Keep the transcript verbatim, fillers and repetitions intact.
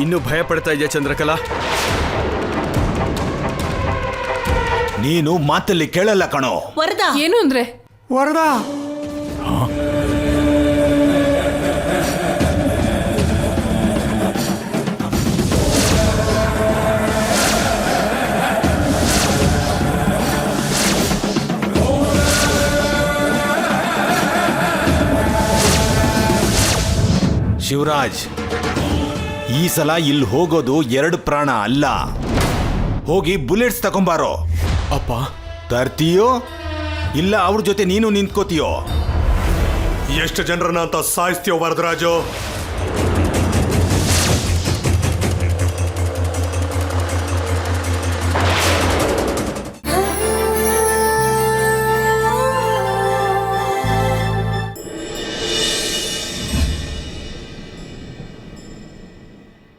ಇನ್ನೂ ಭಯ ಪಡ್ತಾ ಇದೆಯಾ ಚಂದ್ರಕಲಾ? ನೀನು ಮಾತಲ್ಲಿ ಕೇಳಲ್ಲ ಕಣೋ. ವರದಾ ಏನು ಅಂದ್ರೆ? ವರದಾ ಶಿವರಾಜ್, ಈ ಸಲ ಇಲ್ಲಿ ಹೋಗೋದು ಎರಡು ಪ್ರಾಣ ಅಲ್ಲ. ಹೋಗಿ ಬುಲೆಟ್ಸ್ ತಗೊಂಬಾರೋ. ಅಪ್ಪ, ತರ್ತೀಯೋ ಇಲ್ಲ ಅವ್ರ ಜೊತೆ ನೀನು ನಿಂತ್ಕೋತೀಯೋ? ಎಷ್ಟು ಜನರನ್ನ ಅಂತ ಸಾಯಿಸ್ತೀಯೋ ವರದರಾಜು?